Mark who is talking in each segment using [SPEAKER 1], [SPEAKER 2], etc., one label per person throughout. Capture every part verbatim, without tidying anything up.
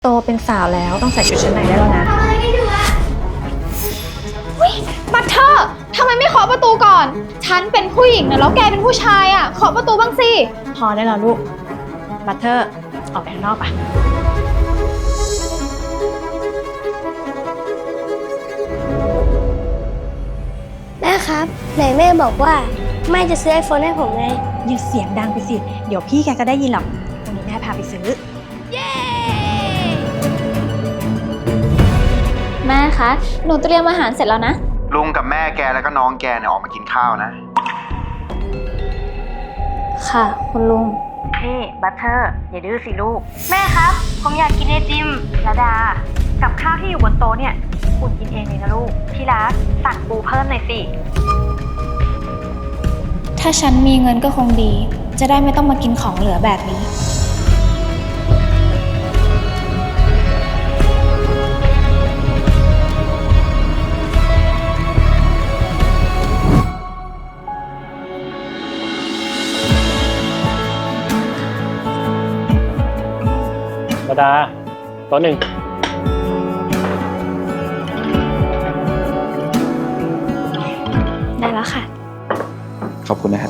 [SPEAKER 1] โตเป็นสาวแล้วต้องใส่ชุดชั้นในได้แล้วนะ
[SPEAKER 2] บัตเทอร์ทำไมไม่เคาะประตูก่อน ฉันเป็นผู้หญิงนะแล้วแกเป็นผู้ชายอ่ะเคาะประตูบ้างสิ
[SPEAKER 1] พอได้แล้วลูก บัตเทอร์ออกไปข้างนอกปะ
[SPEAKER 3] แม่ครับไหนแม่บอกว่าแม่จะซื้อไอโฟนให้ผมไง
[SPEAKER 1] อย่าเสียงดังไปสิ เดี๋ยวพี่แกก็ได้ยินหรอกวันนี้แม่พาไปซื้อ
[SPEAKER 3] เย้
[SPEAKER 2] แม่คะ หนูเตรียมอาหารเสร็จแล้วนะ
[SPEAKER 4] ลุงกับแม่แกแล้วก็น้องแกเนี่ยออกมากินข้าวนะ
[SPEAKER 2] ค่ะ คุณลุง
[SPEAKER 5] นี่บัตเทอร์อย่าดื้อสิลูกแม่ครับผมอยากกินไอติมระดากับข้าวที่อยู่บนโต๊ะเนี่ยอุ่นกินเองเลยนะลูกที่รักสั่งปูเพิ่มหน่อยสิ
[SPEAKER 2] ถ้าฉันมีเงินก็คงดี จะได้ไม่ต้องมากินของเหลือแบบนี้
[SPEAKER 6] ระดาโต๊ะหนึ่ง
[SPEAKER 2] ได้แล้วค่ะ
[SPEAKER 4] ขอบคุณนะครับ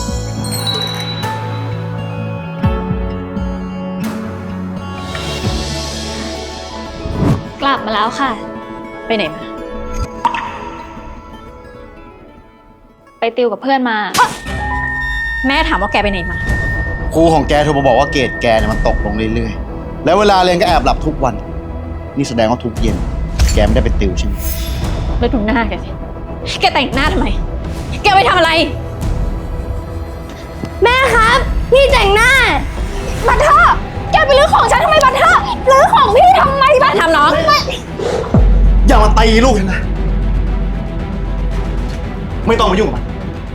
[SPEAKER 2] กลับมาแล้วค่ะ
[SPEAKER 1] ไปไหนมา
[SPEAKER 2] ไปติวกับเพื่อนมา
[SPEAKER 1] แม่ถามว่าแกไปไหนมา
[SPEAKER 4] ครูของแกโทรมาบอกว่าเกรดแกเนี่ยมันตกลงเรื่อยๆ แล้วเวลาเรียนก็แอบหลับทุกวัน นี่แสดงว่าทุกเย็น แกไม่ได้ไปติวใช่ไหม
[SPEAKER 1] แล้วดูหน้าแกสิ แกแต่งหน้าทำไม แกไปทำอะไร
[SPEAKER 3] แม่ครับพี่แต่งหน้า
[SPEAKER 2] บัตเทอร์ แกไปรื้อของฉันทำไมบัตเทอร์รื้อของพี่ทำไมบัต
[SPEAKER 1] ทำน้อง
[SPEAKER 4] อย่ามาตีลูกฉันนะ ไม่ต้องมายุ่งกับมัน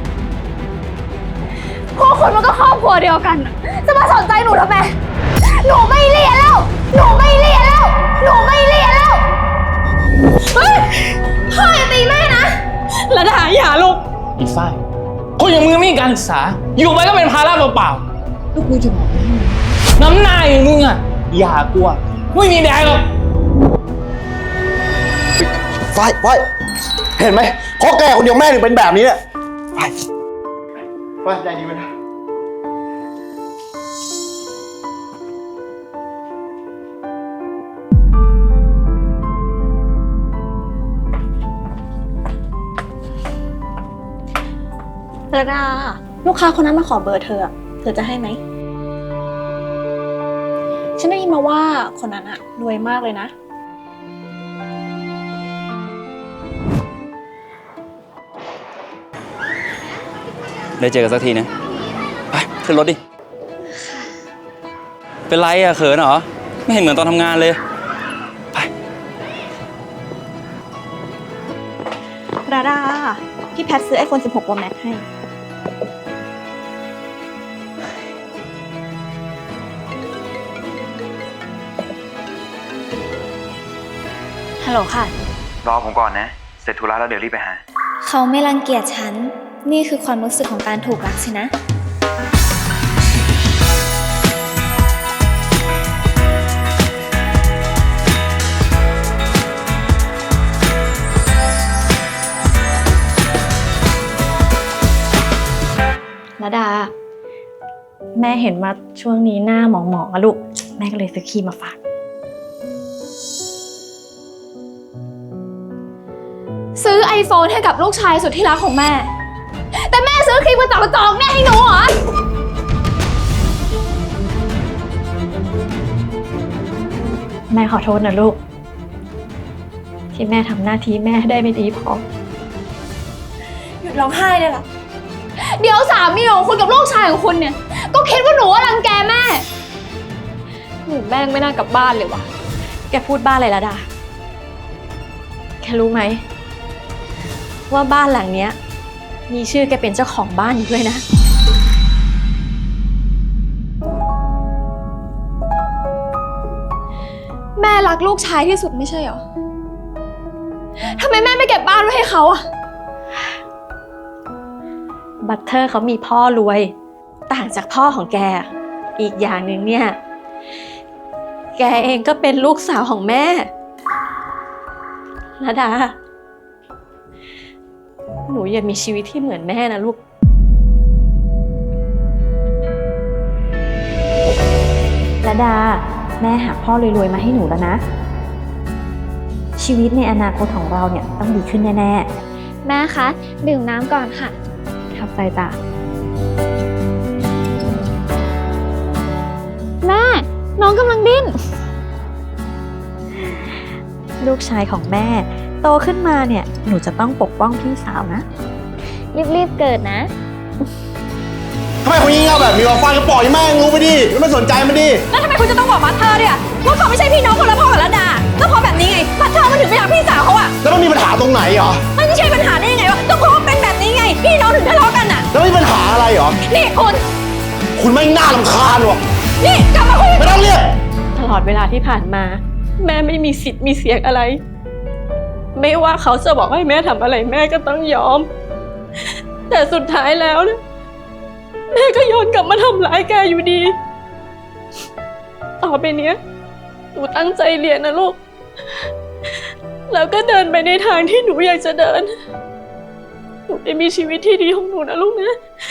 [SPEAKER 2] พวกคุณมันก็ครอบครัวเดียวกัน จะมาสนใจหนูทำไม หนูไม่เรียนแล้ว หนูไม่เรียนแล้ว หนูไม่เรียนแล้ว เฮ้ยพ่ออย่าตีแม่นะ
[SPEAKER 1] ระดาอย่าลูก
[SPEAKER 6] อีฝ้ายคนอย่างมึงไม่มีการศึกษา อยู่ไปก็เป็นภาระเปล่าๆลูกกูจะบอกให้น้ำหน้าอย่างมึงอ่ะอย่ากลัวไม่มีแดงหรอก
[SPEAKER 4] ไฟไฟเห็นไหมเพราะแกคนเดียวแม่ถึงเป็นแบบนี้เนี่ยไฟไฟใจดีไหมนะ
[SPEAKER 1] ระดา ลูกค้าคนนั้นมาขอเบอร์เธออะเธอจะให้ไหม ฉันได้ยินมาว่าคนนั้นอะรวยมากเลยนะ
[SPEAKER 7] ได้เจอกันสักทีนะไปขึ้นรถดิ เป็นไรอะเขินเหรอ ไม่เห็นเหมือนตอนทำงานเลย ไป
[SPEAKER 1] ราดา พี่แพทซื้อ ไอโฟน สิบหก Pro Max ให้
[SPEAKER 2] ฮัลโหลค่ะ
[SPEAKER 4] รอผมก่อนนะ เสร็จธุระแล้วเดี๋ยวรีบไปหา
[SPEAKER 2] เขาไม่รังเกียจฉัน นี่คือความรู้สึกของการถูกรักสินะ
[SPEAKER 1] ระดา แม่เห็นว่าช่วงนี้หน้าหมองๆอะลูก แม่ก็เลยซื้อครีมมาฝาก
[SPEAKER 2] ซื้อไอโฟนให้กับลูกชายสุดที่รักของแม่ แต่แม่ซื้อครีมกระจอกกระจอกเนี่ยให้หนูเหรอ
[SPEAKER 1] แม่ขอโทษนะลูก ที่แม่ทำหน้าที่แม่ได้ไม่ดีพอ
[SPEAKER 2] หยุดร้องไห้ได้ละ เดี๋ยวสามีของคุณกับลูกชายของคุณเนี่ย ก็คิดว่าหนูว่ารังแกแม่ หนูแม่งไม่น่ากลับบ้านเลยวะ
[SPEAKER 1] แกพูดบ้าอะไรละดา แกรู้ไหม ว่าบ้านหลังเนี้ย มีชื่อแกเป็นเจ้าของบ้านอยู่ด้วยนะ
[SPEAKER 2] แม่รักลูกชายที่สุดไม่ใช่เหรอ ทำไมแม่ไม่เก็บบ้านไว้ให้เขาอะ
[SPEAKER 1] บัตเทอร์เขามีพ่อรวย ต่างจากพ่อของแก อีกอย่างหนึ่งเนี่ยแกเองก็เป็นลูกสาวของแม่ระดา หนูอย่ามีชีวิตที่เหมือนแม่นะลูก
[SPEAKER 5] ระดา แม่หาพ่อรวยๆมาให้หนูแล้วนะ ชีวิตในอนาคตของเราเนี่ยต้องดีขึ้นแน่ๆ
[SPEAKER 2] แม่คะ ดื่มน้ำก่อนค่ะ
[SPEAKER 5] ขับใจจ้ะ
[SPEAKER 2] แม่ น้องกำลังดิ้น
[SPEAKER 5] ลูกชายของแม่โตขึ้นมาเนี่ยหนูจะต้องปกป้องพี่สาวนะ
[SPEAKER 2] รีบๆเกิดนะ
[SPEAKER 4] ทำไมคนงี่เง่าแบบนี้วะฟังก็ปล่อยแม่งรู้ไปดิแล้วไม่สนใจมันดิ
[SPEAKER 1] แล้วทำไมคุณจะต้องบอกมาเธอเนี่ยว่าเขาไม่ใช่พี่น้องคนละพ่อกับระดาก็เพราะแบบนี้ไงมาเธอมาถึงไปหาพี่สาวเขาอะ
[SPEAKER 4] แล้วมันมีปัญหาตรงไหนเหรอ
[SPEAKER 1] มันไม่ใช่ปัญหาได้ยังไงวะก็เพราะว่าเป็นแบบนี้ไง พี่น้องถึงทะเลาะกันอะ
[SPEAKER 4] แล้วมีปัญหาอะไรเหรอ
[SPEAKER 1] นี่คุณ
[SPEAKER 4] คุณไม่งน่ารำคาญวะ
[SPEAKER 1] นี่กลับมาคุย
[SPEAKER 4] ไม่ต้องเรียก
[SPEAKER 1] ตลอดเวลาที่ผ่านมา แม่ไม่มีสิทธิ์มีเสียงอะไร ไม่ว่าเขาจะบอกให้แม่ทำอะไรแม่ก็ต้องยอม แต่สุดท้ายแล้วนะแม่ก็ย้อนกลับมาทำร้ายแกอยู่ดี ต่อไปเนี้ยหนูตั้งใจเรียนนะลูก แล้วก็เดินไปในทางที่หนูอยากจะเดิน หนูได้มีชีวิตที่ดีของหนูนะลูกนะ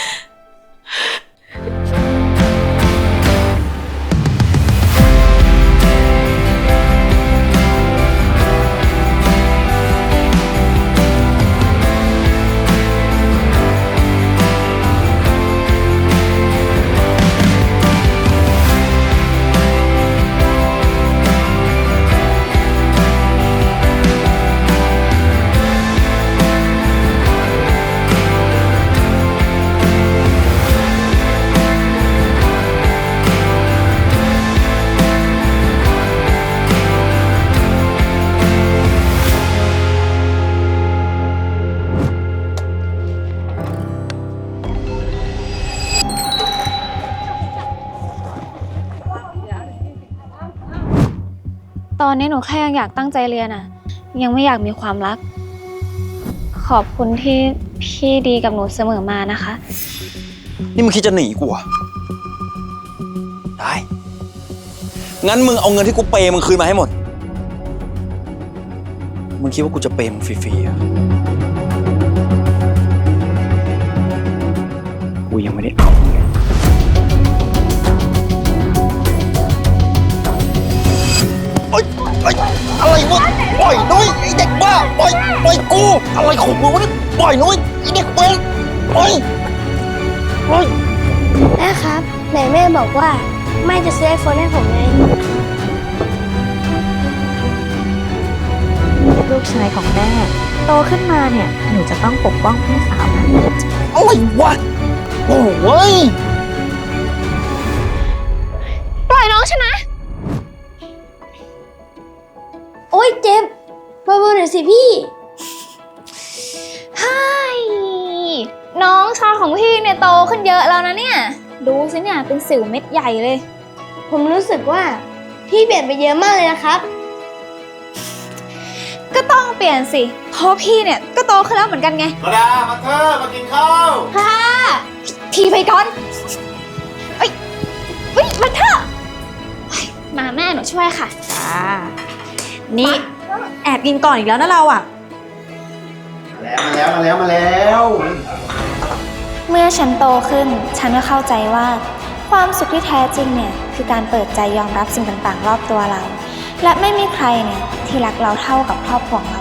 [SPEAKER 2] ตอนนี้หนูแค่ยังอยากตั้งใจเรียนอะยังไม่อยากมีความรัก ขอบคุณที่พี่ดีกับหนูเสมอมานะคะ
[SPEAKER 7] นี่มึงคิดจะหนีกูเหรอได้ งั้นมึงเอาเงินที่กูเปย์มึงคืนมาให้หมด มึงคิดว่ากูจะเปย์มึงฟรีๆอ่ะกูยังไม่ได้เอาเลยโอ๊ยโอ๊ยอะไรวะปล่อยน้อยไอเด็กบ้าปล่อยปล่อยกู อะไรของมึงวะเนี่ยปล่อยน้อยไอเด็กเวรปล่อยปล่อย
[SPEAKER 3] แม่ครับ ไหนแม่บอกว่าแม่จะซื้อไอโฟนให้ผมไง
[SPEAKER 5] ลูกชายของแม่โตขึ้นมาเนี่ยหนูจะต้องปกป้องพี่สาวนะ
[SPEAKER 7] อะไรวะ โอ้ย
[SPEAKER 2] ปล่อยน้องฉันนะ
[SPEAKER 3] โอ๊ยเจ็บเบาๆหน่อยสิพี่
[SPEAKER 2] ไฮน้องชายของพี่เนี่ยโตขึ้นเยอะแล้วนะเนี่ย ดูสิเนี่ยเป็นสิวเม็ดใหญ่เลย
[SPEAKER 3] ผมรู้สึกว่าพี่เปลี่ยนไปเยอะมากเลยนะครับ
[SPEAKER 2] ก็ต้องเปลี่ยนสิ เพราะพี่เนี่ยก็โตขึ้นแล้วเหมือนกันไง
[SPEAKER 4] มาดา มาเธอมากินข้าว
[SPEAKER 2] ค่ะทีไปก่อนเอ้ยเฮ้ยมันเถอะเฮ้ยมาแม่หนูช่วยค่ะ
[SPEAKER 1] จ้า นี่แอบกินก่อนอีกแล้วนะเราอะ
[SPEAKER 4] มาแล้วมาแล้วมาแล้ว
[SPEAKER 2] เมื่อฉันโตขึ้น ฉันก็เข้าใจว่า ความสุขที่แท้จริงเนี่ยคือการเปิดใจยอมรับสิ่งต่างๆ รอบตัวเรา และไม่มีใครเนี่ยที่รักเราเท่ากับครอบครัวของเรา